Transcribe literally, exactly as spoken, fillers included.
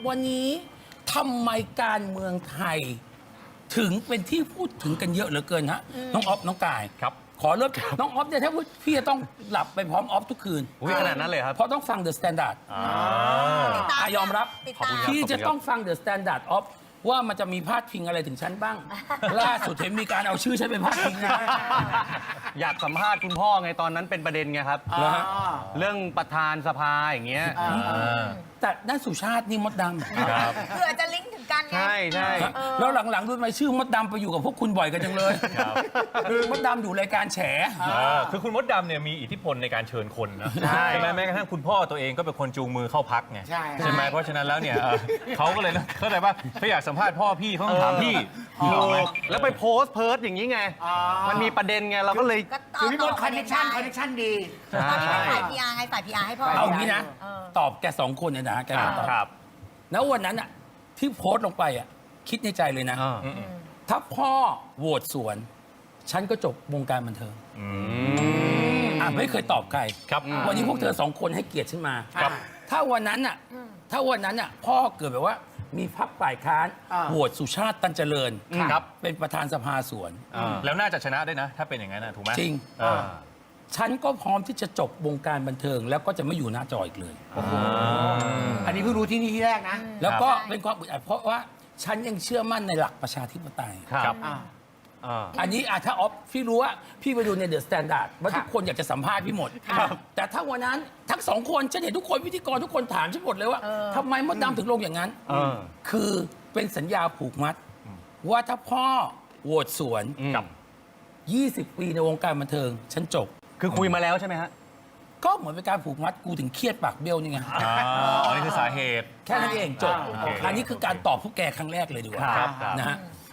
วันนี้ทำไมการเมืองไทย ถึงเป็นที่พูดถึงกันเยอะเหลือเกินฮะน้องออฟน้องกายครับขอเริ่มน้องออฟเนี่ยถ้าพี่จะต้องหลับไปพร้อมออฟทุกคืนอุ้ยขนาดนั้นเลยครับเพราะต้องฟัง The Standard อ่าอ่ะยอมรับติดขอบตามคุณครับพี่จะต้องฟัง The Standard of ว่ามันจะมีพาดพิงอะไรถึงฉันบ้าง ล่าสุดเห็นมีการเอาชื่อฉันเป็นพาดพิงนะอยากสัมภาษณ์คุณพ่อไงตอนนั้นเป็นประเด็นไงครับเหรอฮะเรื่องประธานสภาอย่างเงี้ยแต่น่าสุชาตินี่มดดำครับเผื่อจะลิงก์ถึงกันไงใช่ใช่แล้วหลังๆรู้ไหมชื่อมดดำไปอยู่กับพวกคุณบ่อยกันจังเลยครับคือมดดำอยู่รายการแฉอ่าคือคุณมดดำเนี่ยมีอิทธิพลในการเชิญคนนะใช่ไหมแม้กระทั่งคุณพ่อตัวเองก็เป็นคนจูงมือเข้าพักไงใช่ใช่ไหมเพราะฉะนั้นแล้วเนี่ยเอ่อเขาก็เลยนะเข้าใจว่าเขาอยากสัมภาษณ์พ่อพี่เขาต้องถามพี่ถูถูกไหมกแล้วไปโพสต์เพิร์ดอย่างนี้ไง มันมีประเด็นไงเราก็เลยก็ต่คือพี่มดต่คอนเนคชั่นคอนเนคชั่นดีตอนนี้เป็นฝ่าย พี อาร์ ไงฝ่าย พี อาร์ ให้พ่อเอางี้นะเออตอบแกสองคนเนี่ยนะแกบอกตอบครับแล้ววันนั้นอะที่โพสต์ลงไปอะคิดในใจเลยนะอ่าถ้าพ่อโหวตสวน ฉันก็จบวงการบันเทิงอ่ะไม่เคยตอบใครครับวันนี้พวกเธอสองคนให้เกียรติฉันมาครับถ้าวันนั้นอ่ะ ถ้าวันนั้นอ่ะ พ่อเกิดแบบว่า มีพรรคฝ่ายค้านอ่าโหวตสุชาติตันเจริญครับเป็นประธานสภาสวนแล้วน่าจะชนะด้วยนะ ถ้าเป็นอย่างนั้นนะถูกไหมจริงเออฉันก็พร้อมที่จะจบวงการบันเทิง แล้วก็จะไม่อยู่หน้าจออีกเลยอันนี้เพิ่งรู้ที่นี่ที่แรกนะแล้วก็เป็นความอึดอัดเพราะว่าฉันยังเชื่อมั่นในหลักประชาธิปไตยครับอ่าอ่าอันนี้อ่ะถ้าออฟพี่รู้ว่าพี่ไปดูในเดอะสแตนดาร์ดว่าครับทุกคนอยากจะสัมภาษณ์พี่หมด แต่ถ้าวันนั้นทั้งสองคนฉันเห็นทุกคนพิธีกรทุกคนถามฉันหมดเลยว่าทำไมมดดำถึงลงอย่างนั้นเออคือเป็นสัญญาผูกมัด ว่าถ้าพ่อโหวตสวนกับยี่สิบ ปีในวงการบันเทิง ฉันจบคือคุยมาแล้วใช่ไหมฮะก็เหมือนเป็นการผูกมัดกูถึงเครียดปากเบี้ยวนี่ไงอ๋อนี่คือสาเหตุแค่นั้นเองจบโอเคอันนี้คือการตอบพวกแกครั้งแรกเลยดีกว่าครับครับนะฮะ